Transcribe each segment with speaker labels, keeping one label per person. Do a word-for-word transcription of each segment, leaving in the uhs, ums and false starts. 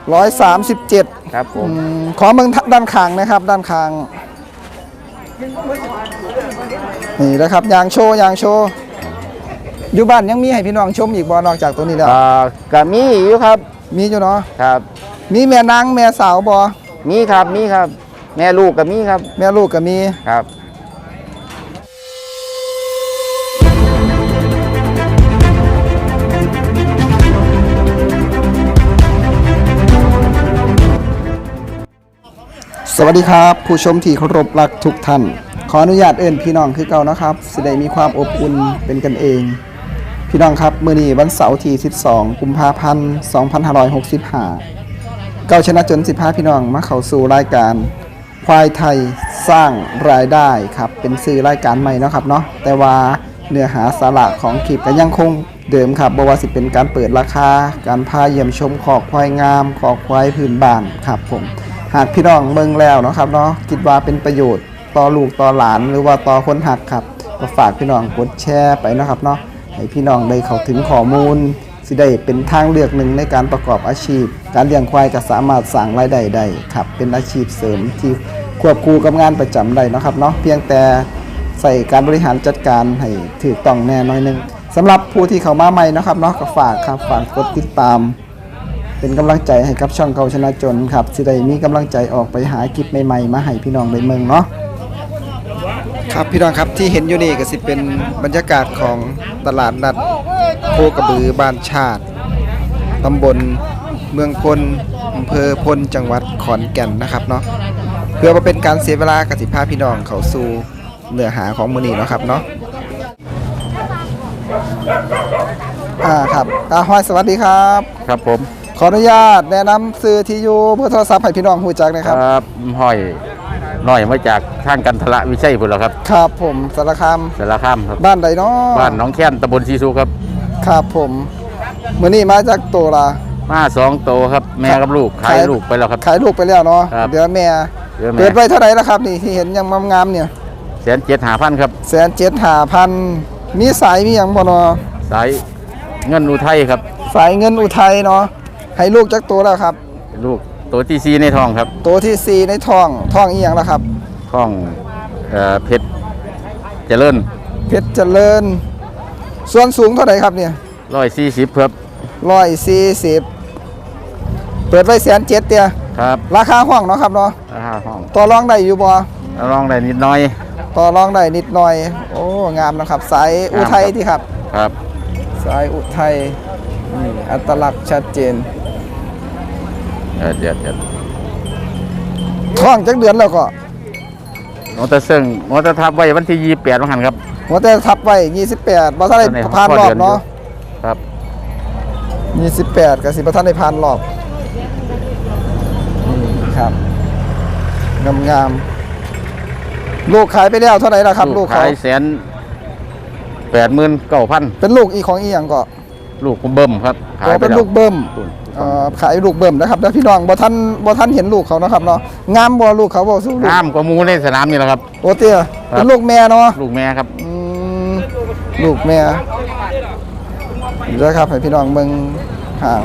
Speaker 1: ร้อยสามสิบเจ็ด
Speaker 2: ครับผม
Speaker 1: ขอเมืองด้านข้างนะครับด้านข้างนี่นะครับยางโชว์ยางโชว์อยู่บ้านยังมีให้พี่น้องชมอีกบ่นอกจากตัวนี้แล้ว
Speaker 2: อ่าก็มีอยู่ครับ
Speaker 1: มีอยู่เนาะ
Speaker 2: ครับ
Speaker 1: มีแม่นางแม่สาวบ่
Speaker 2: มีครับมีครับแม่ลูกก็มีครับ
Speaker 1: แม่ลูกก็มี
Speaker 2: ครับ
Speaker 1: สวัสดีครับผู้ชมที่เคารพรักทุกท่านขออนุญาตเอิ้นพี่น้องคือเก่านะครับสิได้มีความอบอุ่นเป็นกันเองพี่น้องครับมื้อนี้วันเสาร์ที่สิบสองกุมภาพันธ์สองพันห้าร้อยหกสิบห้าเก้าชนะจนสิบห้าพี่น้องมาเข้าสู่รายการควายไทยสร้างรายได้ครับเป็นสื่อรายการใหม่เนาะครับเนาะแต่ว่าเนื้อหาสาระของคลิปก็ยังคงเดิมครับบ่ว่าสิเป็นการเปิดราคาการพาเยี่ยมชมขอกควายงามขอกควายพื้นบ้านครับผมหากพี่น้องเบิ่งแล้วเนาะครับเนาะคิดว่าเป็นประโยชน์ต่อลูกต่อหลานหรือว่าต่อคนหักครับก็ฝากพี่น้องกดแชร์ไปนะครับเนาะให้พี่น้องได้เข้าถึงข้อมูลสิได้เป็นทางเลือกหนึ่งในการประกอบอาชีพการเลี้ยงควายก็สามารถสร้างรายได้ได้ครับเป็นอาชีพเสริมที่ควบคู่กับงานประจำได้นะครับเนาะเพียงแต่ใส่การบริหารจัดการให้ถูกต้องแน่น้อยนึงสำหรับผู้ที่เข้ามาใหม่นะครับเนาะก็ฝากครับฝากกดติดตามเป็นกำลังใจให้กับช่องเก่าชนะจนครับสิได้มีกำลังใจออกไปหาคลิปใหม่ๆมาให้พี่น้องได้เมืองเนาะครับพี่น้องครับที่เห็นอยู่นี่ก็สิเป็นบรรยากาศของตลาดนัดโคกระบือบ้านชาติตำบลเมืองพลอำเภอพลจังหวัดขอนแก่นนะครับเนาะเพื่อมาเป็นการเสียเวลากสิพาพี่น้องเข้าสู่เนื้อหาของมื้อนี้เนาะครับเนาะอ่าครับตาห้อยสวัสดีครับ
Speaker 2: ครับผม
Speaker 1: ขออนุญาตแนะนำซื้อที่อยู่เพื่อโทรศัพท์ให้พี่น้องรู้จักนะครับ
Speaker 2: ครับห้อยน้อยมาจากทางกันทละวิชัยพุ่นแล้วครับ
Speaker 1: ครับผมสารคาม
Speaker 2: สารคามครับ
Speaker 1: บ้านใดเนาะ
Speaker 2: บ้านหนองแค้นตำบลซีซูครับ
Speaker 1: ครับผมมื้อนี้มาจากโตละ
Speaker 2: มาสองโตครับแม่กับลูกขายลูกไปแล้วครับ
Speaker 1: ขายลูกไปแล้วเนาะเดี๋ยวแม่เปิดไว้เท่าไหร่แล้วครับนี่ที่เห็นยังงามๆเนี่ย
Speaker 2: แสนเจ็ดหาพันครับ
Speaker 1: แสนเจ็ดหาพันมีสายมีอย่างบ่เนาะ
Speaker 2: สายเงินอุทัยครับ
Speaker 1: สายเงินอุทัยเนาะให้ลูกจักตัวแล้วครับ
Speaker 2: ลูกตัวที่สี่ในท้องครับ
Speaker 1: ตัวที่สี่ในท้องท้องอีหยังล่ะครับ
Speaker 2: ท้องเอ่อเพชรเจริญ
Speaker 1: เพชรเจริญส่วนสูงเท่าไหร่ครับเนี่ย
Speaker 2: ร้อยสี่สิบครับ
Speaker 1: ร้อยสี่สิบเปิดไว้แสนเจ็ดเตี้ย
Speaker 2: ครับ
Speaker 1: ราคาห้องเนาะครับเนาะ
Speaker 2: ราคาห้อง
Speaker 1: ต่อรองได้อยู่บ่
Speaker 2: ต่อรองได้นิดหน่อย
Speaker 1: ต่อรองได้นิดหน่อยโอ้งามนะครับสายอุทัยที่ครับ
Speaker 2: ครับ
Speaker 1: สายอุทัยนี่อัตลักษณ์ชัดเจน
Speaker 2: เดี๋ยวเดี๋ยว
Speaker 1: ท้องจักเดือนแล้วก็
Speaker 2: มอเตอร์ซึ่งมอเตอร์ทับไว้วันที่ยี่สิบแปดวันหันครับ
Speaker 1: มอเตอร์ทับไว้ยี่สิบแปดบ่ทันได้ผ่านรอบเนาะ
Speaker 2: ครับ
Speaker 1: ยี่สิบแปดก็สิบ่ทันได้ผ่านรอบนี่ครับงามๆลูกขายไปแล้วเท่าไหร่ล่ะครับลูก
Speaker 2: ขายแสนแปดหมื่นเก้าพัน
Speaker 1: เป็นลูกอีของอีหยังก็
Speaker 2: ลูกเบิ่มครับ
Speaker 1: ขายเป็นลูกเบิ่มขายลูกเบิ่มนะครับแล้วพี่น้องบ่ท่านบ่ท่านเห็นลูกเขานะครับเนาะงามบ่ลูกเขาบ่สู้ลูก
Speaker 2: งามกว่าหมูในสนามนี่แหละครับ
Speaker 1: โอ้เตี้ยเป็นลูกแม่เนาะ
Speaker 2: ลูกแม่ครับ
Speaker 1: ลูกแม่เดี๋ยวครับให้พี่น้องเบิ่งหาง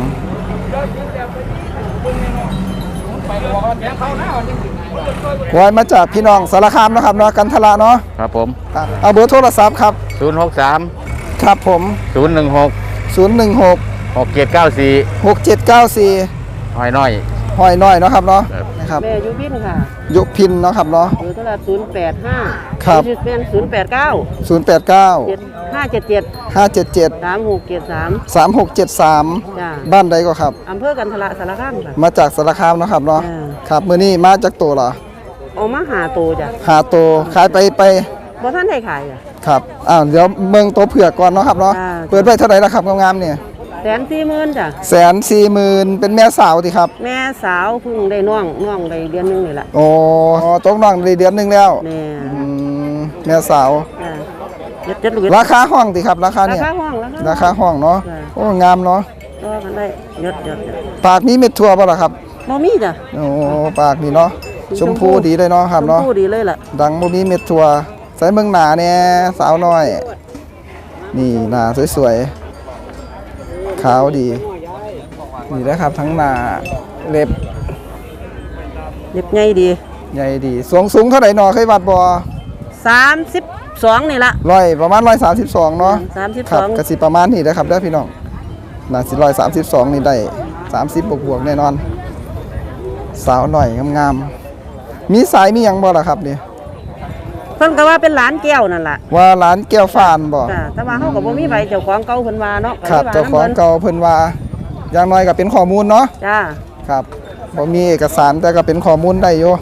Speaker 1: ควายมาจากพี่น้องสารคามนะครับเนาะกันทละเนาะ
Speaker 2: ครับผม
Speaker 1: เอาเบอร์โทรศัพท์ครับ
Speaker 2: ศูนย์หกสาม
Speaker 1: ครับผม
Speaker 2: ศูนย์หนึ่งหก
Speaker 1: ศูนย์หนึ่งหก
Speaker 2: หกเจ็ดเก้าสี่
Speaker 1: หกเจ็ดเก้าสี่
Speaker 2: หอยน้อย
Speaker 1: หอยน้อยเนาะครับเนาะนะครับ
Speaker 3: แม่ยุพินค่ะ
Speaker 1: ยุพินเนาะครับเนาะ
Speaker 3: อยู่โทรศัพท์ศูนย์แปดห้า
Speaker 1: ครับ
Speaker 3: เป็นศูนย์แปดเก้า
Speaker 1: ศูนย์แปดเก้า
Speaker 3: ห้าเจ็ดเจ็ด
Speaker 1: ห้าเจ็ดเจ็ด
Speaker 3: สามหกเจ็ดสาม
Speaker 1: สามหกเจ็ดสามบ้านใดก็ครับ
Speaker 3: อำเภอกันทละสารคามค่ะ
Speaker 1: มาจากสารคามเนาะครับเนาะครับมื้อนี้มาจากโตเหรอ
Speaker 3: ออกมาหาโตจ้ะ
Speaker 1: หาโตขายไปไป
Speaker 3: บ่ท่านได้ขายอ่ะ
Speaker 1: ครับอ้าวเดี๋ยวเมืองโตเผือกก่อนเนาะครับเนาะเปิดไว้เท่าไหร่ล่ะครับงามๆเนี่ย
Speaker 3: แสนสี่หมื่นจ้ะ
Speaker 1: แสนสี่หมื่นเป็นแม่สาวสิครับ
Speaker 3: แม่สาวเพิ่งได้น้องน้องได้เดือนนึงนี่แหละ
Speaker 1: โอ้ตกน้องได้เดือนนึงแล้ว
Speaker 3: แม่
Speaker 1: แม่สาวราคาห้องสิครับราคาเนี่ย
Speaker 3: ราคาห้อง
Speaker 1: ราคาห้องเนาะโอ้งามเนาะ
Speaker 3: ก็กันได้ยดยด
Speaker 1: ปากนี้เม็ดทั่วป่ะล่ะครับ
Speaker 3: บ่มีจ้ะ
Speaker 1: โอ้ปากนี่เนาะชมพูดีเลยเนาะครับเนาะ
Speaker 3: ชมพูดีเลยแหละ
Speaker 1: ดังบ่มีเม็ดทั่วใส่เมืองหนาเนี่ยสาวน้อยนี่หน้าสวยๆขาวดีนี่นะครับทั้งหน้าเล็บ
Speaker 3: เล็บใหญ่ดี
Speaker 1: ใหญ่ดีสูงสูงเท่าไหร่หนอเคยวัดบ่
Speaker 3: สามสิบสองนี่ละ
Speaker 1: ร้อยประมาณร้อยสามสิบสองเนาะ
Speaker 3: สามสิบ
Speaker 1: ค
Speaker 3: ส
Speaker 1: รั
Speaker 3: อบ ง
Speaker 1: กสิประมาณนี้นะครับเด้อพี่น้องน่าสิร้อยสามสิบสองนี่ได้สามสิบบวกบวกๆแน่นอน สาวหน่อยงามๆมีสายมีหยังบ่ล่ะครับนี่
Speaker 3: เพิ่นก็ว่าเป็นหลานแก้วนั่นล่ะ
Speaker 1: ว่าร้านแก้วฟานบ่
Speaker 3: จ้ะแต่ว่าเฮาก็บ่มีใบเจ้าของเก่าเพิ่นว่าเนาะ
Speaker 1: ครับ
Speaker 3: ก็ล
Speaker 1: เจ้าย ของ
Speaker 3: ว่นำ
Speaker 1: เก่าเพิ่นว่าอย่างน้อยก็เป็นข้อมูลเนาะ
Speaker 3: จ้า
Speaker 1: ครับบ่มีเอกสารแต่ก็เป็นข้อมูลได้อยู่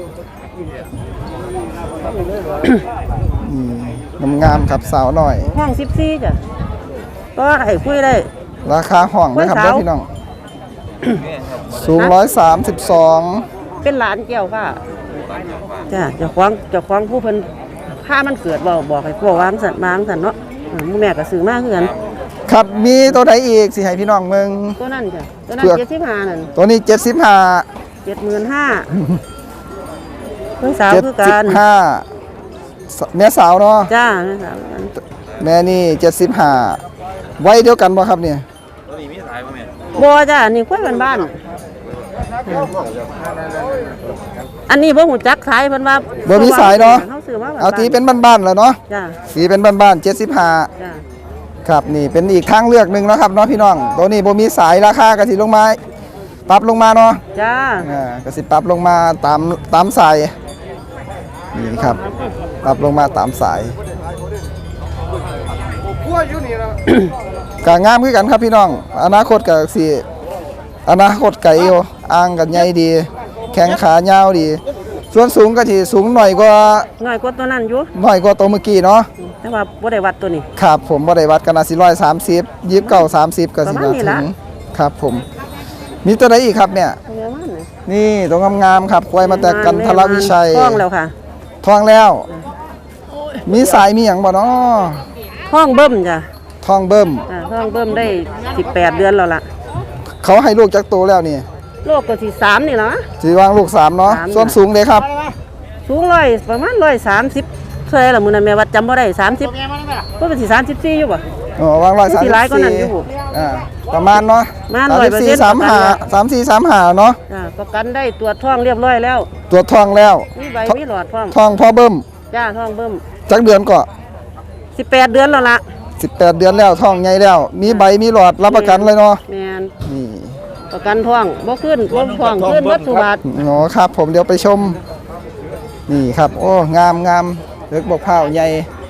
Speaker 1: นี่งามๆครับสาวหน่อย
Speaker 3: ห้องสิบสี่จ้ะก็ได้คุยได้
Speaker 1: ราคาห้องนะครับ
Speaker 3: กล้วยสาว
Speaker 1: เด้อพี่น้อง สูงร้อยสามสิบสอง
Speaker 3: เป็นหลานแก้วค่ะจ้ะเจ้าของเจ้าของผู้เพิ่นพามันเกิดบ่บอกให้พวกวางสันวางสันเนาะอืมหมู่แม่ก็ซื้อมาคือกัน
Speaker 1: ครับมีตัวใดอีกสิให้พี่น้องเมือง
Speaker 3: ตัวนั้นจ้ะตัวนั้น
Speaker 1: เผือก
Speaker 3: เจ็ดสิบห้านั่น
Speaker 1: ตัวนี้เจ็ดสิบห้า
Speaker 3: เจ็ดหมื่นห้าเพิ่นสาว
Speaker 1: เจ็ด
Speaker 3: คือ
Speaker 1: สิ
Speaker 3: กับ น
Speaker 1: ห้าแม่สาวเนาะ
Speaker 3: จ้าแม่สาวคือกัน
Speaker 1: แม่นี่เจ็ดสิบห้าไว้เดียวกันบ่ครับเนี่ย
Speaker 3: บ่จ้ะอันนี้คุยบ้านบ้านอันนี้บ่ฮู้จักขายเพิ่นว่า
Speaker 1: บ่มีสายเนาะ
Speaker 3: เฮาซื้อมาบ้นๆ
Speaker 1: เอาตีเป็นบ้านๆแล้วเนาะ
Speaker 3: จ้า
Speaker 1: สีเป็นบ้านๆเจ็ดสิบห้า
Speaker 3: จ้า
Speaker 1: ครับนี่เป็นอีกทางเลือกหนึ่งเนาะครับเนาะพี่น้องตัวนี้บ่มีสายราคากระสิลงมาปรับลงมาเนาะ
Speaker 3: จ้า
Speaker 1: อ่ากระสิปรับลงมาตามตามสายนี่ครับปรับลงมาตามสายกางามคือกันครับพี่น้อง อนาคตก็สิอนาคตไกลอยู่อ่างกันใหญ่ดี แข้งขายาวดี ส่วนสูงก็สิสูงหน่อยกว่า
Speaker 3: น้อยกว่าตัวนั้นอยู่
Speaker 1: หน่อยกว่าตัวเมื่อกี้เนาะ
Speaker 3: แต่ว่าบ่ได้วัดตัวนี้
Speaker 1: ครับผมบ่ได้วัดกันนะสิร้อยสามสิบยิบเก้าสามสิบก็สิ
Speaker 3: ประมาณนี้
Speaker 1: ถึ
Speaker 3: ละ
Speaker 1: งครับผม มีตัวไหนอีกครับเนี่ย
Speaker 3: ตัวนี้มันนี่
Speaker 1: นี่ตัวงามๆครับควายมาแต่กันทรวิชัย
Speaker 3: ห้องแล้วค่ะ
Speaker 1: ทองแล้ว มีสายมีหยังบ่เนาะ
Speaker 3: ห้องเบิ่มจ้ะ
Speaker 1: ทองเบิ่ม
Speaker 3: อ่าห้องเบิ่มได้สิบแปดเดือนแล้วล่ะ
Speaker 1: เขาให้ลูกจักโตแล้วนี่
Speaker 3: โลกก็สิสามนี่ล่ะ
Speaker 1: สิวางลูกสามเนาะ
Speaker 3: สาม
Speaker 1: ส่วนสูงเลยครับ
Speaker 3: สูงร้อยประมาณร้อยสามสิบเท่าไหร่ล่ะมื้อนั้นแม่วัดจำบ่ได้สามสิบก็เป็นสิสามสิบสี่อยู่บ่
Speaker 1: อ๋อวางร้อยสาม
Speaker 3: สิ
Speaker 1: สิบ
Speaker 3: หลายกว่านั้
Speaker 1: สี่
Speaker 3: นอยู่
Speaker 1: อ่าประมาณเนาะ
Speaker 3: ประมาณ
Speaker 1: สามสิบสี่
Speaker 3: ร้อยเปอร์เซ็นต์
Speaker 1: สามห้าสามสี่สามห้าเนาะ
Speaker 3: จ้าประกันได้ตรวจท้องเรียบร้อยแล้ว
Speaker 1: ตัวทองแล้ว
Speaker 3: มีใบมีหลอดพร้อม
Speaker 1: ทองพ่อเบิ่ม
Speaker 3: จ้าท้องเบิ่ม
Speaker 1: จักเดือนก็
Speaker 3: สิบแปดเดือนแล้วล่ะ
Speaker 1: สิบแปดเดือนแล้วทองใหญ่แล้ว มีใบมีหลอดรับประกันเลยเนาะ
Speaker 3: แม่น
Speaker 1: นี่
Speaker 3: ประกันท้องบ่ขึ้นบ่ท้องขึ้นวัดสุบาท
Speaker 1: อ๋อครับผมเดี๋ยวไปชม นี่ครับ โอ้งามงามเล็กบกเผาใหญ่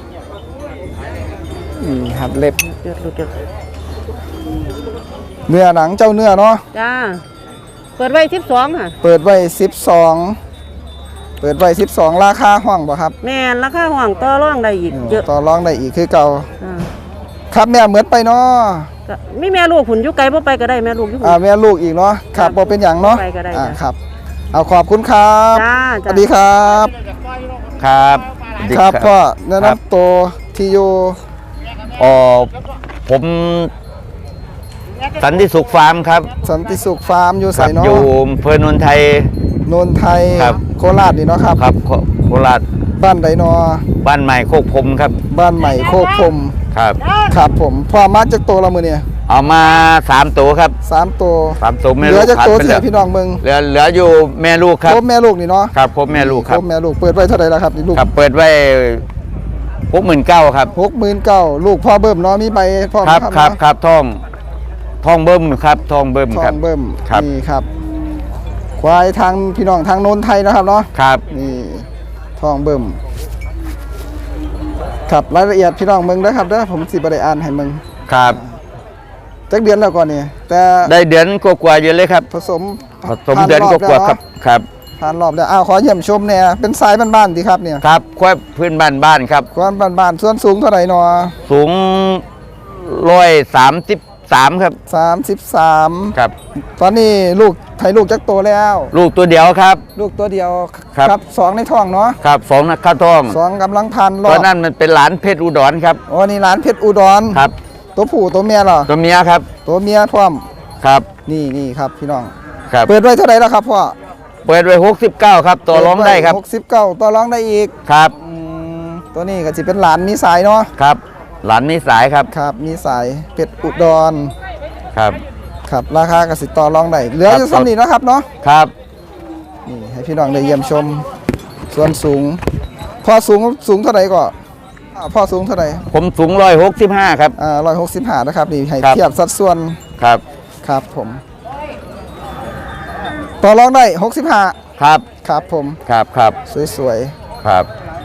Speaker 1: นี่ครับเล็บ
Speaker 3: เดือดหลุดเดือด
Speaker 1: เนื้อหนังเจ้าเนื้อเนาะ
Speaker 3: จ้าเปิดไว้สิบสองค่ะ
Speaker 1: เปิดไว้สิบสองเปิดไว้สิบสองราคาห้องบ่ครับ
Speaker 3: แม่นราคาห้องต่อรองได้อีกเยอะ
Speaker 1: ต่อรองได้อีกคือเก่า
Speaker 3: อ่า
Speaker 1: ครับแม่เหมือนไปเนาะ
Speaker 3: ก็มีแม่ลูกหุ่นอยู่ไกลบ่ไปก็ได้แม่ลูกอยู่หุ่
Speaker 1: อ่าน แม่ลูกอีกเนาะครับบ่เป็นอย่างเนาะ
Speaker 3: ไปก็ได้
Speaker 1: อ่า
Speaker 3: จ้ะ
Speaker 1: ครับ เอาขอบคุณครับ
Speaker 3: จ้า
Speaker 1: ส
Speaker 3: จ้า
Speaker 1: วัสดีครับ
Speaker 2: ครับดี
Speaker 1: ครับพ่อแนะ
Speaker 2: ครับ
Speaker 1: นำตัวที่อยู่
Speaker 2: อ๋อผมสันติสุขฟาร์มครับ
Speaker 1: สันติสุขฟาร์มอยู่
Speaker 2: ค
Speaker 1: ใส่
Speaker 2: รับ
Speaker 1: เนาะ
Speaker 2: อยู่อำเภอโนนไทย
Speaker 1: นนไทย
Speaker 2: ครับ
Speaker 1: โคราชนี่เนาะครับ
Speaker 2: ครับโคโคราช
Speaker 1: บ้านไดนอ
Speaker 2: บ้านใหม่โคกพรมครับ
Speaker 1: บ้านใหม่โคกพรม
Speaker 2: ครับ
Speaker 1: ครับผมพ่อมาจากโตละมือเนี่ย
Speaker 2: เอามาสามตัวครับ
Speaker 1: สามตัว
Speaker 2: สามตัวแม่
Speaker 1: เหลื
Speaker 2: ลู
Speaker 1: อก จาก
Speaker 2: ขาด
Speaker 1: โต
Speaker 2: ไป
Speaker 1: เสี
Speaker 2: แล้
Speaker 1: ยว พี่น้องเมือง
Speaker 2: เหลือเหลืออยู่แม่ลูกครับ
Speaker 1: ครบแม่ลูกนี่เนาะ
Speaker 2: ครับครบแม่ลูกครับ
Speaker 1: ครบแม่ลูกเปิดไว้เท่าไหร่แล้วครับนี่ลูก
Speaker 2: ครับเปิดไว้หกหมื่นเก้าครับ
Speaker 1: หกหมื่นเก้าลูกพ่อเบิ่มเนาะมีใบพ่อ
Speaker 2: ครับ
Speaker 1: ไหม
Speaker 2: ครับ
Speaker 1: เนาะ
Speaker 2: ครับทองทองเบิ้มครับทองเบิ้ม
Speaker 1: ท
Speaker 2: ค
Speaker 1: อ
Speaker 2: รับ
Speaker 1: งเบิ่ม
Speaker 2: ครับ
Speaker 1: นี่ครับ ควายทางพี่น้องทางโนนไทยนะครับเนาะ
Speaker 2: ครับ
Speaker 1: นี่ทองเบิ่มครับรายละเอียดพี่น้องเมืองนะครับเด้อผมสิบ่ได้อ่านให้เมือง
Speaker 2: ครับ
Speaker 1: จักเดือนแล้วก่อนนี่แต่
Speaker 2: ได้เดือนกว่าๆอยู่เลยครับ
Speaker 1: ผสม
Speaker 2: ผสมเดือนกว่าๆครับครับ
Speaker 1: ผ่านรอบแล้วอ้าวขอเยี่ยมชมเนี่ยเป็นสายบ้านๆดีครับเนี่ย
Speaker 2: ครับควายพื้นบ้านบ้านครับ
Speaker 1: ควายบ้านๆส่วนสูงเท่าไหร่เนาะ
Speaker 2: สูงร้อยสามสิบสามครับ
Speaker 1: สามสิบสาม
Speaker 2: ครับ
Speaker 1: ตอนนี้ลูกไทยลูกจักโตแล้ว
Speaker 2: ลูกตัวเดียวครับ
Speaker 1: ลูกตัวเดียว
Speaker 2: ครับ
Speaker 1: สองในท้องเนาะ
Speaker 2: ครับสองนักข้าวทอง
Speaker 1: สองกำลังพันร
Speaker 2: ตั
Speaker 1: อ
Speaker 2: ว
Speaker 1: บ
Speaker 2: นั้นมันเป็นหลานเพชรอุดรครับ
Speaker 1: โอ้นี่ร้านเพชรอุดร
Speaker 2: ครับ
Speaker 1: ตัวผู้ตัวเมียเหรอ
Speaker 2: ตัวเมียครับ
Speaker 1: ตัวเมียพร้อม
Speaker 2: ครับ
Speaker 1: นี่นี่ครับพี่น้อง
Speaker 2: ครับ
Speaker 1: เปิดไว้เท่าไหร่แล้วครับพ่อ
Speaker 2: เปิดไว้หกสิบเก้าครับตัวร้องได้ครับ
Speaker 1: หกสิบเก้าต่อร้องได้อีก
Speaker 2: ครับ
Speaker 1: อืมตัวนี้ก็จะเป็นหลานมีสายเนาะ
Speaker 2: ครับ หลานมีสายครับ
Speaker 1: ครับมีสายเพชรอุดร
Speaker 2: ครับ
Speaker 1: คครับราคากสิต่อรองได้เหลืออยู่ซ้ำนี้เนาะครับเนาะ
Speaker 2: ครับ
Speaker 1: นี่ให้พี่น้องได้เยี่ยมชมส่วนสูงพ่อสูงสูงเท่าไหร่ก็อ่าพ่อสูงเท่าไหร่
Speaker 2: ผมสูงร้อยหกสิบห้าครับ
Speaker 1: อ่าร้อยหกสิบห้านะครับนี่ให้
Speaker 2: ครับ
Speaker 1: เทียบสัดส่วน
Speaker 2: ครับ
Speaker 1: ครับผมต่อรองได้หกสิบห้า
Speaker 2: ครับ
Speaker 1: ครับผม
Speaker 2: ครับครับ
Speaker 1: สวย
Speaker 2: ครับ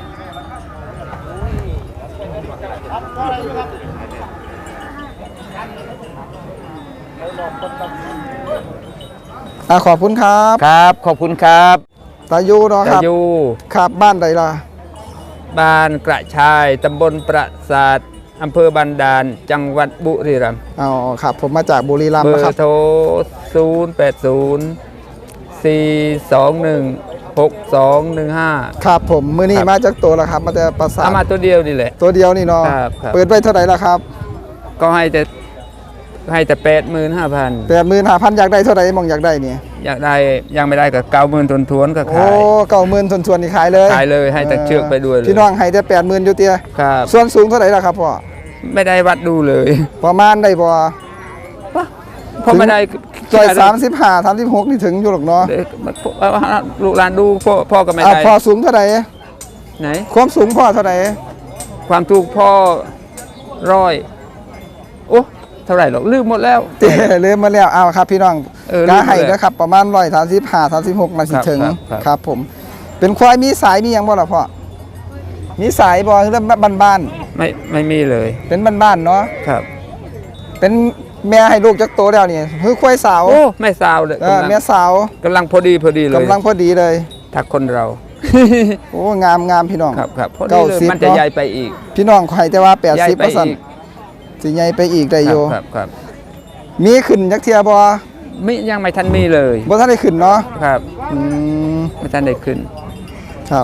Speaker 1: ๆอ่าขอบคุณครับ
Speaker 2: ครับขอบคุณครับ
Speaker 1: ตายูเนาะค
Speaker 4: จะ
Speaker 1: รับ
Speaker 4: อยู่
Speaker 1: ครับบ้านใดล่ะ
Speaker 4: บ้านกระชายตำบลประสาทอำเภอบันดาลจังหวัดบุรีรัมย์
Speaker 1: อ๋อครับผมมาจากบุรีรัม
Speaker 4: เบ
Speaker 1: ย์
Speaker 4: อ
Speaker 1: นะครับ
Speaker 4: ร์โทร ศูนย์ แปด ศูนย์ สี่ สอง หนึ่ง หก สอง หนึ่ง ห้า
Speaker 1: ครับผมมือนี้
Speaker 4: ครับ
Speaker 1: มาจากตัวละครับมาแต่ประสาท
Speaker 4: เอามาตัวเดียวนี่แหละ
Speaker 1: ตัวเดียวนี่เนาะ
Speaker 4: ครับครับ
Speaker 1: เปิดไว้เท่าไหร่ล่ะครับ
Speaker 4: ก็ให้แต่ให้แต่แปดหมื่นห้าพัน
Speaker 1: แปดหมื่นห้าพันอยากได้เท่าไหร่มองอยากได้เนี่ย
Speaker 4: อยากได้ยังไม่ได้กับเก้าหมื่นทวนทวนๆก็
Speaker 1: โอ้
Speaker 4: ขาย
Speaker 1: เก้าหมื่นทวนทวนๆนี่ขายเลย
Speaker 4: ขายเลยให้แต่เชือกไปด้วยเลย
Speaker 1: พี่น้องให้แต่แปดหมื่นอยู่เตีย
Speaker 4: ครับ
Speaker 1: ส่วนสูงเท่าไหร่ล่ะครับพ่อ
Speaker 4: ไม่ได้วัดดูเลย
Speaker 1: ประมาณได้บ่
Speaker 4: เพราะไม่ได้
Speaker 1: จอยสามสิบห้าสามสิบหกนี่ถึงอยู่หรอกเนาะ
Speaker 4: เด็กลูกหลานดูพ่อพ่อก็ไม่
Speaker 1: อ่ะ
Speaker 4: ได้
Speaker 1: พ่อสูงเท่าไหร่
Speaker 4: ไหน
Speaker 1: ความสูงพ่อเท่าไหร่
Speaker 4: ความถูกพ่อร้อยโอ้เท่าไหร่หรอกลืมหมดแล้ว
Speaker 1: เตะเริ่มมาแล้วเอาครับพี่น้อง
Speaker 4: เออ
Speaker 1: กาให้
Speaker 4: ลืมเลย
Speaker 1: นะครับประมาณร้อยสามสิบห้าสามสิบหกนาที
Speaker 4: ครับ
Speaker 1: ถึง
Speaker 4: ครับครับ
Speaker 1: ครับผม เป็นควายมีสายมีหยังบ่ล่ะพ่อมีสายบ่เรื่องบ้าน
Speaker 4: ไม่ไม่มีเลย
Speaker 1: ๆเป็นบ้านๆเนาะ
Speaker 4: ครับ
Speaker 1: เป็นแม่ให้ลูกจักโตแล้วนี่คือควายสาว
Speaker 4: โอ้ไม่สาวเลย
Speaker 1: เออก
Speaker 4: ำลัง
Speaker 1: แม่สาว
Speaker 4: กำลังพอดีพอดีเลย
Speaker 1: กำลังพอดีเลย
Speaker 4: ถักคนเรา
Speaker 1: โอ้งามงามพี่น้อง
Speaker 4: ครับครับพอดี
Speaker 1: เก้า
Speaker 4: เลย
Speaker 1: สิบ
Speaker 4: มันจะ
Speaker 1: เนาะ
Speaker 4: ใหญ่ไปอีก
Speaker 1: พี่น้องใครแต่ว่า
Speaker 4: ใหญ่
Speaker 1: แปดสิบ
Speaker 4: ไป
Speaker 1: เปอร์เซ็น
Speaker 4: อี
Speaker 1: ต์
Speaker 4: ก
Speaker 1: สิใหญ่ไปอีกได้
Speaker 4: ค
Speaker 1: อ
Speaker 4: รับ
Speaker 1: ยู่
Speaker 4: ครับครับ
Speaker 1: มีขึ้นจักเทียบ่
Speaker 4: ไม่ยังไม่ทันมีเลย
Speaker 1: บ่ทันได้ขึ้นเนาะ
Speaker 4: ครับ
Speaker 1: อืม
Speaker 4: ไม่ทันได้ขึ้น
Speaker 1: ครับ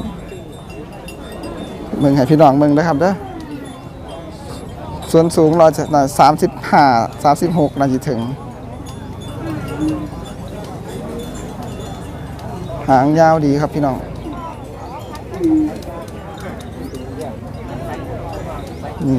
Speaker 1: มึงให้พี่น้องมึงนะครับเด้อส่วนสูงเราจะสามสิบห้าสามสิบหกนาทีถึง หางยาวดีครับพี่น้องนี่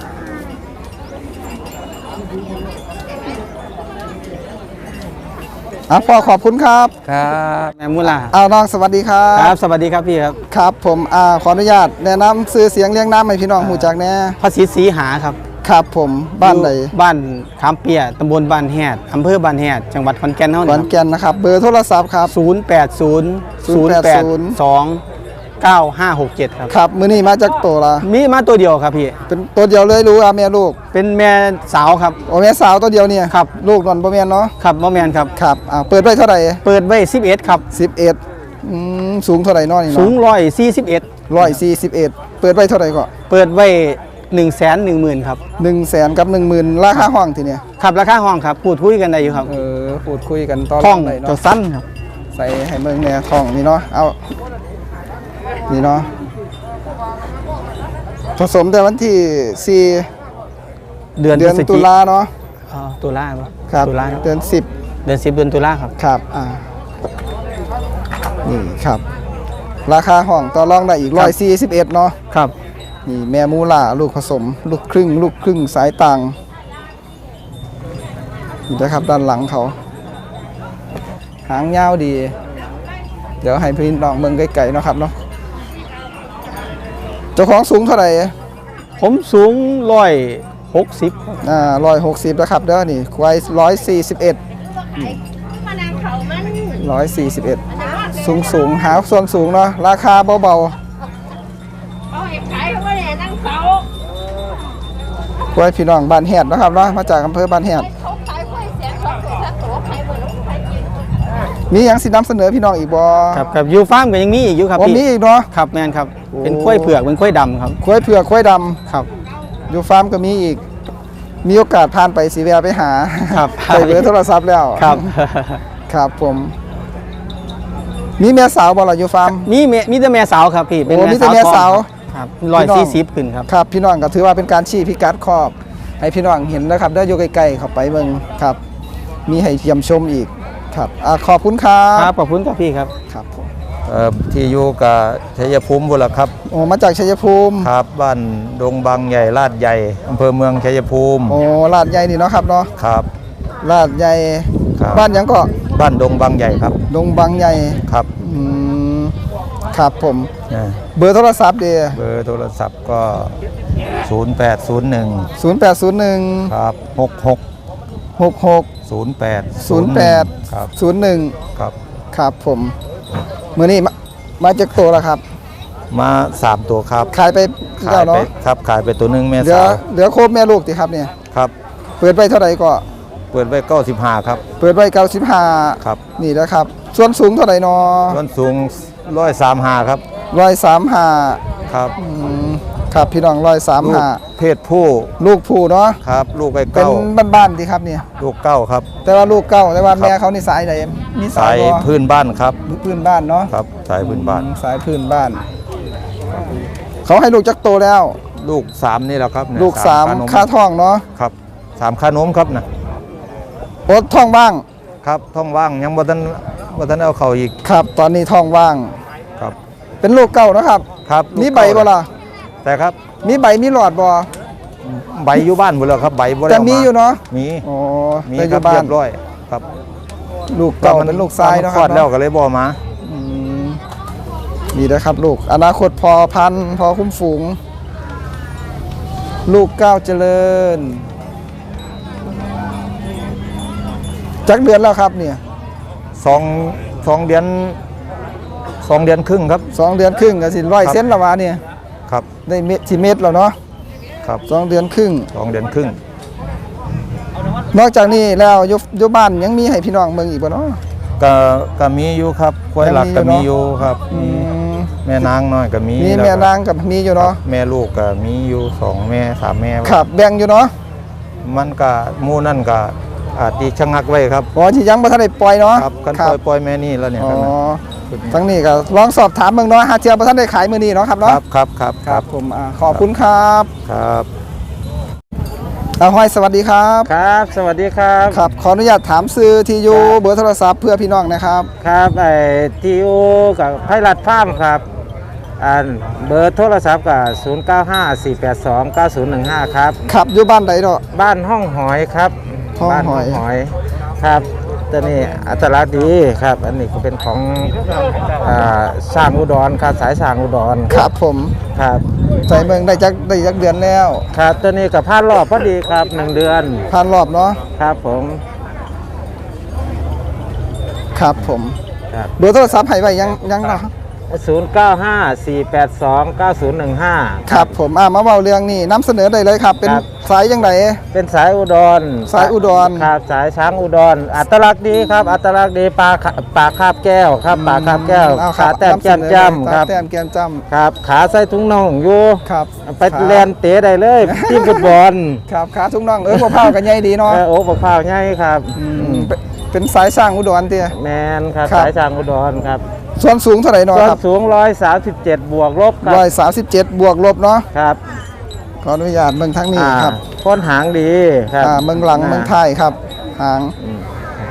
Speaker 1: อ่ะพ่อขอบคุณครับ
Speaker 5: ครับแม่มุลา
Speaker 1: เอาน้องสวัสดีครั
Speaker 5: ครับ บสวัสดีครับพี่ครับ
Speaker 1: ครับผมอ่าขออนุญาตแนะนำซื้อเสียงเลี้ยงน้ำให้พี่น้องหูจักแน่
Speaker 5: พระศรีศรีหาครับ
Speaker 1: ครับผมบ้านใด
Speaker 5: อยู่บ้านขามเปียตำบลบ้านแฮดอำเภอบ้านแฮดจังหวัดขอนแก่นเฮา
Speaker 1: ข
Speaker 5: นี่
Speaker 1: อนแก่นนะครับ เบอร์โทรศัพท์ครับ
Speaker 5: ศูนย์แปดศูนย์ศูนย์แปดสองเก้าห้าหกเจ็ดครับ
Speaker 1: ครับมื้อนี้มาจากตัวละ
Speaker 5: มีมาตัวเดียวครับพี่
Speaker 1: เป็นตัวเดียวเลยรู้ว่าแม่ลูก
Speaker 5: เป็นแม่สาวครับ
Speaker 1: โอ้แม่สาวตัวเดียวเนี่ย
Speaker 5: ครับ
Speaker 1: ลูกนอนบ่แม่นเนาะ
Speaker 5: ครับบ่แมนครับ
Speaker 1: ครับอ่าเปิดไว้เท่าไหร่
Speaker 5: เปิดไว้สิบเอ็ดครับ
Speaker 1: สิบเอ็ดอืมสูงเท่าไหร่เนาะนี่
Speaker 5: สู
Speaker 1: เนาะ
Speaker 5: งร้อยสี่สิบเอ็ด
Speaker 1: ร้อยสี่สิบเอ็ดเปิดไว้เท่าไหร่ก็
Speaker 5: เปิดไว้หนึ่งแสนหนึ่งหมื่นครับ
Speaker 1: หนึ่งแสนกับหนึ่งหมื่นราคาห้องทีเนี่ย
Speaker 5: ครับราคาห้องครับพูดคุยกันได้อยู่ครับ
Speaker 1: เออพูดคุยกันตอน
Speaker 5: ห้อง
Speaker 1: ไหน
Speaker 5: จะ
Speaker 1: เนาะ
Speaker 5: สั้นครับ
Speaker 1: ใส่ให้เมืองเนี่ยทองนี่เนาะเอานี่เนาะผสมแต่วันที่สี่
Speaker 5: เดือน
Speaker 1: เดือน
Speaker 5: พฤศจิ
Speaker 1: ตุลาเนาะ
Speaker 5: อ๋อตุลาปะ
Speaker 1: ครับ
Speaker 5: ตุลาครับ
Speaker 1: เดือนสิบ
Speaker 5: เดือนสิบเดือนตุลาครับ
Speaker 1: ครับอ่านี่ครับ ราคาห้องต่อรองได้อีกร้อยสี่สิบเอ็ดเนาะ
Speaker 5: ครับ
Speaker 1: นี่แม่มูล่าลูกผสม ลูกครึ่ง ลูกครึ่งสายต่างนี่นะครับด้านหลังเขา หางยาวดี เดี๋ยวให้พี่น้องเมืองไกลๆเนาะครับเนาะเจ้าของสูงเท่าไหร่
Speaker 5: ผมสูงร้อยหกสิบ
Speaker 1: อ่าร้อยหกสิบนะครับเด้อนี่ควายร้อยสี่สิบเอ็ดร้อยสี่สิบเอ็ดสูงสูงหาส่วนสูงเนาะราคาเบา
Speaker 6: เขาเห็นขายเขาไม่ได้นั่งเขา
Speaker 1: ๆควายพี่น้องบ้านแฮดนะครับเนาะมาจากอำเภอบ้านแฮด
Speaker 6: เขาขายกล้วยเสียงเขาตัวละตัวขายหมดแล้วขายกิน
Speaker 1: มีหยังสินำเสนอพี่น้องอีกบ่
Speaker 5: ครับครับยูฟาร์มก็ยังมีอีกอยู่ครับ
Speaker 1: วัน
Speaker 5: พี่
Speaker 1: นี้อีกเนาะ
Speaker 5: ครับแมนครับ
Speaker 1: โอ้
Speaker 5: เป็นกล้วยเผือกเป็นกล้วยดำครับ
Speaker 1: ควายเผือกควายดำ
Speaker 5: ครับ
Speaker 1: อยู่ฟาร์มก็มีอีก มีโอกาสผ่านไปสีแวะไปหา
Speaker 5: ครับ
Speaker 1: ไปเบอร์โทรศัพท์แล้ว
Speaker 5: ครับ
Speaker 1: ครับผม มีแม่สาวบ่ล่ะอยู่ฟาร์ม
Speaker 5: มีเมมีแต่แม่สาวครับพี่เป็น
Speaker 1: โอ้มีแต่แม่สาว
Speaker 5: ครับร้อยสี่สิบขึ้นครับ
Speaker 1: ครับ พี่น้องก็ถือว่าเป็นการชี้พิกัดครอบ ให้พี่น้องเห็นนะครับได้อยู่ใกล้ๆเข้าไปเบิ่งครับ มีให้เยี่ยมชมอีกครับอ่าขอบคุณครั
Speaker 5: ครับ บขอบคุณครับพี่ครับ
Speaker 1: ครับผม
Speaker 2: เอ่อที่อยู่กับชัยภูมิบุนละครับ
Speaker 1: โอ้มาจากชัยภูมิ
Speaker 2: ครับบ้านดงบางใหญ่ลาดใหญ่อำเภอเมืองชัยภูมิ
Speaker 1: โอ้ลาดใหญ่นี่เนาะครับเนาะ
Speaker 2: ครับ
Speaker 1: ลาดใหญ่
Speaker 2: ครับ
Speaker 1: บ้านหยังก็
Speaker 2: บ้านดงบางใหญ่ครับ
Speaker 1: ดงบางใหญ่
Speaker 2: ครับ
Speaker 1: อืมครับผม
Speaker 2: เอ่อ
Speaker 1: เบอร์โทรศัพท์เดีย
Speaker 2: เบอร์โทรศัพท์ก็ ศูนย์ แปด ศูนย์ หนึ่ง
Speaker 1: ศูนย์แปดศูนย์หนึ่ง
Speaker 2: ครับหกหก
Speaker 1: หกหก
Speaker 2: ศูนย์แปด
Speaker 1: ศูนย์แปด
Speaker 2: ครับ
Speaker 1: ศูนย์หนึ่ง
Speaker 2: ครับ
Speaker 1: ครับผมมื่อนี้มามาจากตัวแล้วครับ
Speaker 2: มาสามตัวครับ
Speaker 1: ขายไป
Speaker 2: ขา
Speaker 1: แล้
Speaker 2: ยว ไป
Speaker 1: เนาะ
Speaker 2: ครับขายไปตัวหนึงแม่
Speaker 1: เหลือ
Speaker 2: สาว
Speaker 1: เหลือโครบแม่ลูกติครับเนี่ย
Speaker 2: ครับ
Speaker 1: เปิดไปเท่าไหร่ก็
Speaker 2: เปิดไว้เก้าสิบห้าครับ
Speaker 1: เปิดไปเก้าสิบห้า
Speaker 2: ครับ
Speaker 1: นี่นะครับ ส่วนสูงเท่าไหร่นอ
Speaker 2: ส่วนสูงร้อยสามห้าครับ
Speaker 1: ร้อยสามห้า
Speaker 2: ครับ
Speaker 1: ครับพี่น้องร้อยสาม
Speaker 2: ลูก
Speaker 1: ห้า
Speaker 2: เพศผู้
Speaker 1: ลูกผู้เนาะ
Speaker 2: ครับ ลูกไอ้
Speaker 1: เป็น
Speaker 2: เก้า
Speaker 1: บ้านๆดีครับเนี่ย
Speaker 2: ลูกเก้าครับ
Speaker 1: แต่ว่าลูกเก้าแต่ว่า
Speaker 2: ครับ
Speaker 1: แม่เขานี่สายไหนมีสา
Speaker 2: สาย ย
Speaker 1: บ่
Speaker 2: พื้นบ้านครับ
Speaker 1: พื้นบ้านเนาะ
Speaker 2: ครับ สายพื้นบ้าน
Speaker 1: อืมสายพื้นบ้าน เขาให้ลูกจักโตแล้ว
Speaker 2: ลูกสามนี่แหละครับเนี่ย
Speaker 1: ลูกสาม
Speaker 2: ขน
Speaker 1: ค่าท้องเนาะ
Speaker 2: ครับสามขานมครับนะ
Speaker 1: โอ๊ตท้องว่าง
Speaker 2: ครับท้องว่างยังบ่ทันบ่ทันเอาเข้าอีก
Speaker 1: ครับ ตอนนี้ท้องว่าง
Speaker 2: ครับ
Speaker 1: เป็นลูกเก่านะครับ
Speaker 2: ครับลูก
Speaker 1: มีใบบ่ล่ะ
Speaker 2: แต่ครับ
Speaker 1: มีใบมีหลอดบ่
Speaker 2: ใบอยู่บ้านหมดแล้วครับใบบ่ได้
Speaker 1: แต่
Speaker 2: เอา
Speaker 1: มี
Speaker 2: มา
Speaker 1: อยู่เนาะ
Speaker 2: มี
Speaker 1: อ๋อ
Speaker 2: มี
Speaker 1: แต่อ
Speaker 2: ครั
Speaker 1: ยู่
Speaker 2: บ
Speaker 1: บ้า
Speaker 2: เรี
Speaker 1: น
Speaker 2: ยบร้อยครับ
Speaker 1: ลูกเก่าเป็นลูกทรายเนาะ
Speaker 2: ค
Speaker 1: ค
Speaker 2: ลอ
Speaker 1: รั
Speaker 2: ด
Speaker 1: บ
Speaker 2: แล้ว
Speaker 1: เนาะ
Speaker 2: ก็เลยบ่มา
Speaker 1: อืมนี่นะครับลูกอนาคตพอพันธุ์พอคุ้มฝูง ลูกเก้าวเจริญ จักเดือนแล้วครับเนี่ย
Speaker 2: สองสองเดือนสองเดือนครึ่งครับ
Speaker 1: สองเดือนครึ่งก็สิร้อย
Speaker 2: ครับ
Speaker 1: เซนละวะเนี่ย
Speaker 2: ครับ
Speaker 1: ได้เม็ดสิเม็ดแล้วเนาะ
Speaker 2: ครับ
Speaker 1: สองเดือนครึ่ง
Speaker 2: สองเดือนครึ่ง
Speaker 1: นอกจากนี้แล้วอยุยุบ้านยังมีให้พี่น้องเมืองอีกบ่เนาะ
Speaker 2: ก็ก็มีอยู่ครับควายหลักก็
Speaker 1: ยังมี
Speaker 2: มี
Speaker 1: อ
Speaker 2: อยู่ ยู่
Speaker 1: เนอะ
Speaker 2: ครับ
Speaker 1: อื
Speaker 2: มี
Speaker 1: ม
Speaker 2: แม่นางน้อยก็มี
Speaker 1: มี
Speaker 2: ล้ว
Speaker 1: แม่
Speaker 2: ก็
Speaker 1: นางกับมีอยู่เนาะ
Speaker 2: แม่ลูกก็มีอยู่สองแม่สามแม่
Speaker 1: ครับแบ่งอยู่เนาะ
Speaker 2: มันก็หมู่นั่นก็อาจสิชะงักไว้ครับ
Speaker 1: อ๋อที่ยังบ่ทันได้ปล่อยเนาะ
Speaker 2: ครับกันปล่อยปล่อยแม่นี่แล้วเนี่ย
Speaker 1: อ๋อ
Speaker 2: ครับนะ
Speaker 1: ทั้งนี้ก็ลองสอบถามเมืองเนาะหาเทียบ่ทันได้ขายมื้อนี้เนาะครับ
Speaker 2: ค
Speaker 1: เนาะ
Speaker 2: รับครับครับ
Speaker 1: ครับผมอ่าขอบคุณครับ
Speaker 2: ครับ
Speaker 1: อาห้อยสวัสดีครับ
Speaker 5: ครับ สวัสดีครับ
Speaker 1: ครับขออนุญาตถามซื้อที่อยู่เบอร์โทรศัพท์เพื่อพี่น้องนะครับ
Speaker 5: ครับไอ้ทีโอกับไพรัตฟาร์มครับอันเบอร์โทรศัพท์กับศูนย์ เก้า ห้า สี่ แปด สอง เก้า ศูนย์ หนึ่ง ห้าครับ
Speaker 1: ขับอยู่บ้านใดเนาะ
Speaker 5: บ้านห้องหอยครับ
Speaker 1: ห้อง
Speaker 5: บ้าน
Speaker 1: หอย
Speaker 5: หอยครับตัวนี้อัตลักษณ์ดีครับ อันนี้ก็เป็นของอ่าสร้างอุดรครับสายสร้างอุดร
Speaker 1: ครับผม
Speaker 5: ครับ
Speaker 1: ใจเมืองได้จักได้จักเดือนแล้ว
Speaker 5: ครับตัวนี้กับพานรอบพอดีครับหนึ่งเดือน
Speaker 1: ผ่านรอบเนาะ
Speaker 5: ครับผม
Speaker 1: ครับผม
Speaker 5: ครับ
Speaker 1: เบอร์โทรศัพท์ให้ไว้ยังยังเนาะ
Speaker 5: ศูนย์ เก้า ห้า สี่ แปด สอง เก้า ศูนย์ หนึ่ง ห้า
Speaker 1: ครับผมอ่ามาเว้าเรื่องนี้นำเสนอได้เลยครับ เป็น
Speaker 5: ครับ
Speaker 1: สายยังไง
Speaker 5: เป็นสายอุดร
Speaker 1: สายอุดร
Speaker 5: ครับสายช้างอุดร อัตลักษณ์ดีครับ อัตลักษณ์ดีปลาขาปลาคาบแก้วครับปลาคาบแก้ว
Speaker 1: เอาค
Speaker 5: ขา
Speaker 1: รับ
Speaker 5: แต้ม
Speaker 1: นำเส
Speaker 5: แก้ม
Speaker 1: นอ
Speaker 5: จ้ำครับ
Speaker 1: ตาแต้มแก้มจ้
Speaker 5: ครับ ขาใส่ถุงน่องอยู่
Speaker 1: ำครับ
Speaker 5: ไป
Speaker 1: ขา
Speaker 5: เรียนเตะได้เลย ทีมฟุตบอล
Speaker 1: ครับขาทุ่งน่องเออบ่เผากันใหญ่ดีเนาะ
Speaker 5: เออโอ้ปกพร้าวใหญ่ครับ
Speaker 1: อืมเป็นเป็นสายสร้างอุดรเตี้ย
Speaker 5: แมนครับ
Speaker 1: ครับ
Speaker 5: สายช้างอุดรครับ
Speaker 1: ส่วนสูงเท่าไหร่เนาะ
Speaker 5: ส่วน
Speaker 1: ครับ
Speaker 5: สูงร้อยสามสิบเจ็ดบวกลบครั
Speaker 1: ร้อยสามสิบเจ็ดบวกลบเนาะ
Speaker 5: ครับ
Speaker 1: ขออนุญาตเมืองทั้งนี้
Speaker 5: อ่า
Speaker 1: ครับ
Speaker 5: พ้นหางดีครับ
Speaker 1: อ่าเมืองหลังเมืองไทยครับหาง
Speaker 5: อืม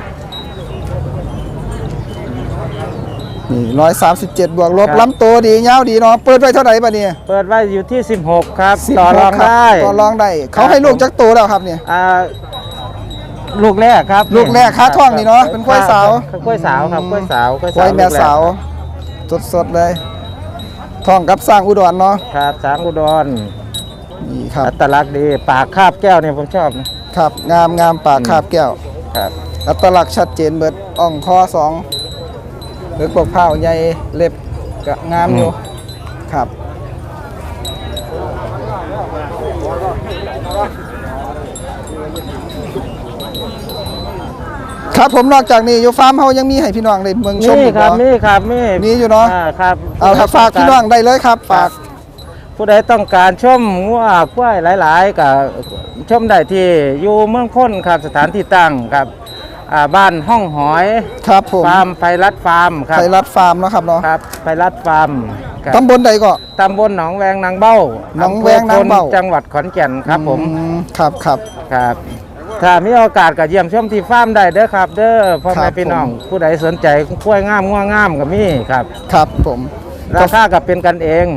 Speaker 1: นี่ร้อยสามสิบเจ็ดบวกลบ
Speaker 5: ครับ
Speaker 1: ลำตัวดียาวดีเนาะเปิดไว้เท่าไหร่บัดนี้
Speaker 5: เปิดไว้อยู่ที่สิบหกครับ
Speaker 1: สิบ
Speaker 5: ต่อ
Speaker 1: ห
Speaker 5: รอก ง
Speaker 1: คบ
Speaker 5: ได้
Speaker 1: ต่อรองได้ เขาให้ลูกจักโตแล้วครับเนี่ย
Speaker 5: อ่าลูกแรกครับ
Speaker 1: ลูกแรกค้าท่องนี่เนาะเป็นควายสาว
Speaker 5: ครับกล้วยสาวครับกล้วยสาวกล้วย
Speaker 1: ควายแม่
Speaker 5: ลูกรก
Speaker 1: สาวสดๆเลยท้องกับสร้างอุดรเนาะ
Speaker 5: ครับช้างอุดร
Speaker 1: นี่ครับ
Speaker 5: อัตลักษณ์ดีปากคาบแก้วเนี่ยผมชอบนะครับ
Speaker 1: งามงามปากคาบแก้ว
Speaker 5: ครับ
Speaker 1: อัตลักษณ์ชัดเจนเบิดอ่องคอสองเลือกปกเผาใหญ่เล็บก็งามอยู่ครับครับผมนอกจากนี้อยู่ฟาร์มเฮายังมีให้พี่น้องได้เมืองชม
Speaker 5: นี่
Speaker 1: อีก
Speaker 5: ครับ
Speaker 1: เนาะ
Speaker 5: นี่ครับนี่
Speaker 1: มีอยู่เนาะ
Speaker 5: อ่ครับ
Speaker 1: เอาครับฝากพี่น้องได้เลยครับฝาก
Speaker 5: ผู้ใดต้องการชมงัวควายหลายๆกับชมได้ที่อยู่เมืองพ้นครับสถานที่ตั้งครับอ่าบ้านห้องหอย
Speaker 1: ครับผม
Speaker 5: ฟาร์มไพรัตฟาร์มครับ
Speaker 1: ไทยรัฐฟาร์มเนาะครับเนาะ
Speaker 5: ครับไพรัตฟาร์มครับ
Speaker 1: ตำบลใดก็
Speaker 5: ตำบลหนองแวงนางเบ้า
Speaker 1: หนองแวงนางเบ้า
Speaker 5: อำภอพลจังหวัดขอนแก่นครับผม
Speaker 1: อืครับครับ
Speaker 5: ครับถ้ามีโอกาสก็เยี่ยมชมที่ฟาร์มได้เด้อครับ เด้อพ่อ
Speaker 1: ครั
Speaker 5: แม่
Speaker 1: บ
Speaker 5: พี่น้อง
Speaker 1: ผม
Speaker 5: ผู้ใดสนใจกล้วยงามงัวงามก็มีครับ
Speaker 1: ครับผม
Speaker 5: ราคาก็เป็นกันเอง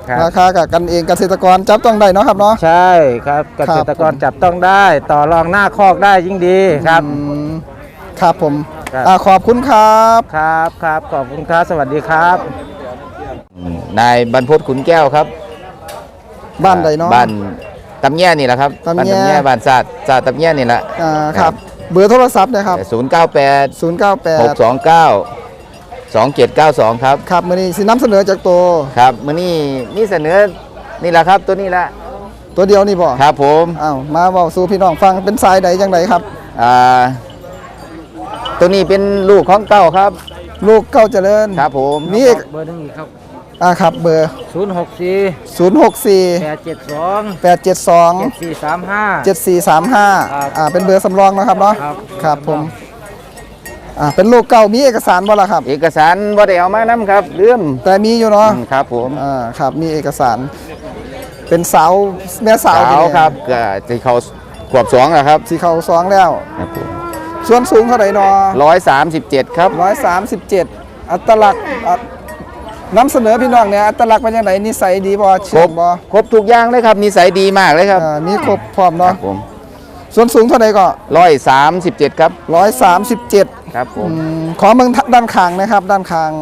Speaker 5: ครับ
Speaker 1: ราคากับกันเองเกษตรกรจับต้องได้เนาะครับเนาะ
Speaker 5: ใช่ครับเกษตรกรจับต้องได้ ต่อรองหน้าคอกได้ยิ่งดีครับ
Speaker 1: อืมครับผม
Speaker 5: ครับ
Speaker 1: อ่าขอบคุณครับ
Speaker 5: ครับครับขอบคุณครับสวัสดีครับ
Speaker 2: นายบรรพตขุนแก้วครับ
Speaker 1: บ้านใดเนาะ
Speaker 2: บ้านตำแย่นี่แหละครับ
Speaker 1: ตำแย่
Speaker 2: บ้านตำแย่บ้านศาสตร์ศาสตร์ตำแย่นี่แหละ
Speaker 1: อ่าครับเบอร์โทรศัพท์นะครับ
Speaker 2: ศูนย์เก้าแปด
Speaker 1: ศูนย์ เก้า แป
Speaker 2: ห
Speaker 1: ด
Speaker 2: กสองเก้าสองเจ็ดเก้าสองครับ
Speaker 1: ครับมื้อนี้สินำเสนอจากตัว
Speaker 2: ครับมื้อนี้นี่เสนอนี่แหละครับตัวนี้ละ
Speaker 1: ตัวเดียวนี่บ่
Speaker 2: ครับผม
Speaker 1: อ้าวมาเว้าสู่พี่น้องฟังเป็นสายใดจังไดครับ
Speaker 2: อ่าตัวนี้เป็นลูกของเก้าครับ
Speaker 1: ลูกเก้าเจริญ
Speaker 2: ครับผม
Speaker 1: นี่เอก
Speaker 5: เบอร์หนึ่งอีกครับ
Speaker 1: อ่าครับเบอร์
Speaker 5: ศูนย์หกสี่
Speaker 1: ศูนย์ หก สี่
Speaker 5: แปดเจ็ดสอง
Speaker 1: แปด เจ็ด สอง
Speaker 5: เจ็ดสี่สามห้า
Speaker 1: เจ็ด สี่ สาม ห้า
Speaker 5: ครับ
Speaker 1: อ่าเป็นเบอร์สำรองนะครับเนาะ
Speaker 5: ครับ
Speaker 1: ครับผมอ่าเป็นลูกเก่ามีเอกสารบ่ล่ะครับ
Speaker 2: เอกสารบ่ได้เอามานํครับลืม
Speaker 1: แต่มีอยู่เนาะ
Speaker 2: อืมครับผม
Speaker 1: อ่าครับมีเอกสาร เป็นสาวแม่สา
Speaker 2: สาว ว
Speaker 1: ที่นี่
Speaker 2: ครับก็ที่เขาขวบสองอะครับ
Speaker 1: สีเขาสองแล้ว
Speaker 2: ครับผม
Speaker 1: ส่วนสูงเท่าไหร่เนาะ
Speaker 2: ร้อยสามสิบเจ็ดครับ
Speaker 1: ร้อยสามสิบเจ็ดอัตลักษณ์อ่ะนำเสนอพี่น้องเนี่ยอัตลักษณ์เป็นยังไงนิสัยดีบ่
Speaker 2: คร
Speaker 1: เชื่อบ บ่
Speaker 2: ครบทุกอย่างเลยครับนิสัยดีมากเลยครับ
Speaker 1: อ่ามีครบพร้อม
Speaker 2: ค
Speaker 1: เนาะ
Speaker 2: รับผม
Speaker 1: ส่วนสูงเท่าไหร่ก็
Speaker 2: ร้อยสามสิบเจ็ดครับ
Speaker 1: ร้อยสามสิบเจ็ด
Speaker 2: ครับผม
Speaker 1: ขอเมืองด้านข้างนะครับ ด้านข้าง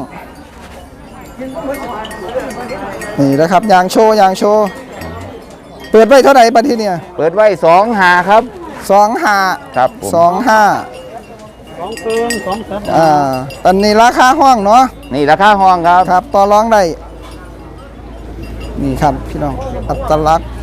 Speaker 1: นี่นะครับยางโชว์ยางโชว์เปิดไว้เท่าไหร่บัดทีเนี่ย
Speaker 2: เปิดไว้สองหาครับ
Speaker 1: สองห้า
Speaker 2: ครับผม
Speaker 1: สองห้าสองเติมสองแสนอ่าตอนนี้ราคาห้องเนาะ
Speaker 2: นี่ราคาห้องครับ
Speaker 1: ครับต่อรองได้นี่ครับพี่น้องอัตลักษณ์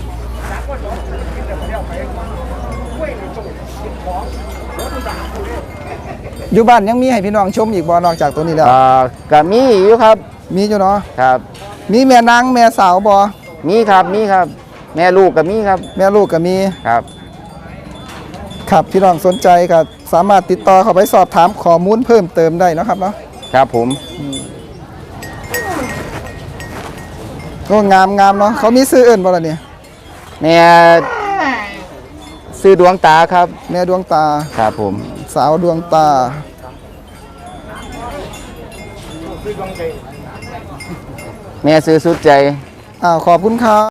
Speaker 1: อยู่บ้านยังมีให้พี่น้องชมอีกบ่นอกจากตัวนี้แล้ว
Speaker 2: อ่าก็มีอยู่ครับ
Speaker 1: มีอยู่เนาะ
Speaker 2: ครับ
Speaker 1: มีแม่นางแม่สาวบ่
Speaker 2: มีครับมีครับ แม่ลูกก็มีครับ
Speaker 1: แม่ลูกก็มี
Speaker 2: ครับ
Speaker 1: ครับพี่น้องสนใจก็สามารถติดต่อเข้าไปสอบถามข้อมูลเพิ่มเติมได้เนาะครับเนาะ
Speaker 2: ครับผม
Speaker 1: ก็งามงามเนาะเขามีซื้ออื่นบ่ล่ะเนี่ย
Speaker 2: แม่ซื้อดวงตาครับ
Speaker 1: แม่ดวงตา
Speaker 2: ครับผม
Speaker 1: สาวดวงตา
Speaker 2: แม่ซื้อสุดใจ
Speaker 1: อ้าวขอบคุณครับ